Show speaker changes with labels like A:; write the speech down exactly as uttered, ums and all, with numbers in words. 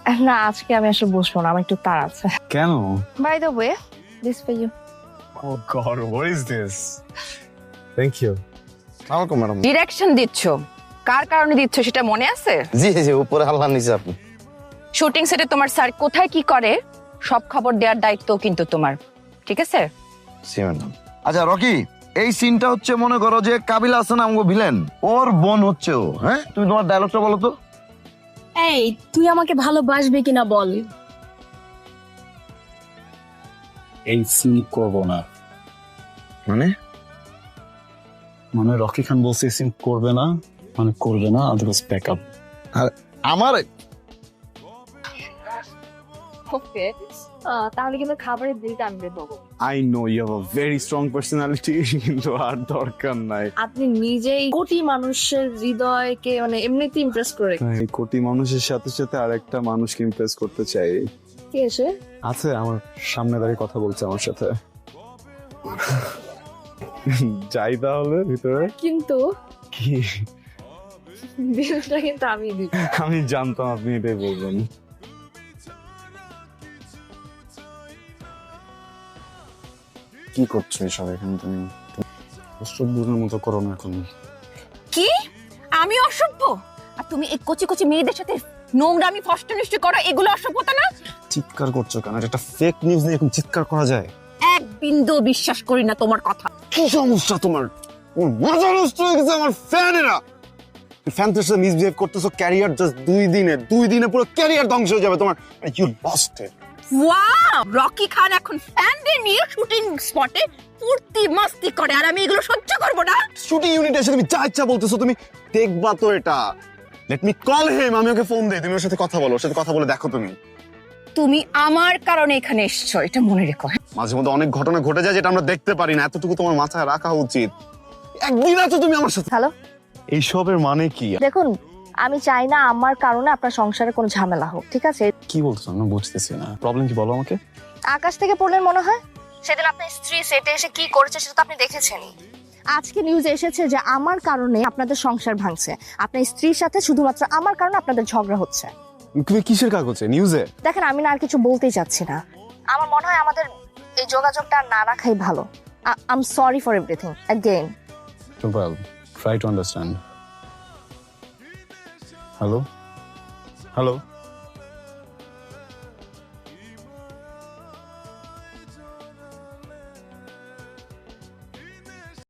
A: না আজকে আমি আসলে বসবো না, আমার একটু তাড়া আছে।
B: কেন?
A: By the way, this for you.
B: Oh God, what is this? Thank you.
C: Welcome madam.
D: Direction দিচ্ছ, কার কারণে দিচ্ছ সেটা মনে আছে?
C: জি জি উপরে আল্লাহ নিচে আপনি।
D: শুটিং সেটে তোমার স্যার কোথায় কি করে সব খবর দেওয়ার দায়িত্ব কিন্তু তোমার, ঠিক আছে?
C: জি ম্যাডাম। আচ্ছা রকি, এই সিনটা হচ্ছে মনে করো যে কাবিলা হাসান আমগো ভিলেন, ওর বোন হচ্ছে ও। হ্যাঁ, তুমি তোমার ডায়লগটা বলো তো।
A: এই তুই আমাকে ভালোবাসবি কিনা বল।
B: এই সিন করবো না।
C: মানে
B: মানে রকি খান বলছে এই সিন করবে না, মানে করবে না, আদারওয়াইজ ব্যাক আপ।
C: আর আমার
A: ওকে, তাহলে কিন্তু খাবারের বিলটা আমি দেবো।
B: I know you have a very strong personality, কিন্তু আর দরকার নাই।
A: আপনি নিজেই কোটি মানুষের হৃদয়কে মানে এমনিতেই ইমপ্রেস করে।
B: এই কোটি মানুষের সাথে সাথে আরেকটা মানুষকে ইমপ্রেস করতে চাই।
A: কে এসে?
B: আছে আমার সামনে দাঁড়িয়ে কথা বলছে আমার সাথে। যাই তাহলে ভিতরে।
A: কিন্তু
B: কি?
A: বিলটা কিন্তু আমি দিব।
B: আমি জানতাম আপনি এটাই বলবেন। কি করছো এসব এখানে তুমি? অসভ্যের মতো করো না এখন।
D: কি আমি অসভ্য আর তুমি এই কচি কচি মেয়েদের সাথে নোংরামি ফষ্টানিষ্টি করো, এগুলো অসভ্যতা না?
B: চিৎকার করছো কেন? এটা একটা ফেক নিউজ নিয়ে এখন চিৎকার করা যায়?
D: এক বিন্দু বিশ্বাস করি না তোমার কথা।
B: কি সমস্যা তোমার? ওর মাথা নষ্ট হয়ে গেছে আমার ফ্যানেরা। ফ্যানদের সাথে মিসবিহেভ করতেছো, ক্যারিয়ার জাস্ট দুই দিনে দুই দিনে পুরো ক্যারিয়ার ধ্বংস হয়ে যাবে তোমার। You lost it.
D: Wow, Rocky Khan এখন ফ্যানদের নিয়ে শুটিং স্পটে ফুর্তি মাস্তি করে আর আমি এগুলো সহ্য করব না।
B: শুটিং ইউনিটে এসে তুমি যা ইচ্ছা বলতেছো, তুমি দেখবা তো এটা। লেট মি কল হিম, আমি ওকে ফোন দেই, তুমি ওর সাথে কথা বলো, ওর সাথে কথা বলে দেখো তুমি।
D: তুমি আমার কারণে এখানে এসেছো, এটা মনে রেখো।
B: মাঝে মধ্যে অনেক ঘটনা ঘটে যায় যেটা আমরা দেখতে পারি না, এতটুকু তোমার মাথায় রাখা উচিত। একদিন আছো তুমি আমার সাথে।
A: হ্যালো,
B: এইসবের মানে কি?
A: দেখুন আমি চাই না আমার কারণে আপনার সংসারে কোনো ঝামেলা হোক, ঠিক আছে?
B: কি বলছো? আমি বুঝতেছি না, প্রবলেম কি বলো আমাকে।
A: আকাশ থেকে পড়লেন মনে হয়। সেদিন আপনার স্ত্রী সেটে এসে কি করেছে সেটা তো আপনি দেখেছেনই। আজকে নিউজে এসেছে যে আমার কারণে আপনাদের সংসার ভাঙছে, আপনার স্ত্রীর সাথে শুধুমাত্র আমার কারণে আপনাদের ঝগড়া হচ্ছে।
B: তুমি কিসের কাগজে? নিউজে?
A: দেখেন আমি না আর কিছু বলতেই চাচ্ছি না, আমার মনে হয় আমাদের এই যোগাযোগটা আর না রাখাই ভালো। I am sorry for everything again.
B: Well, try to understand. Hello? Hello?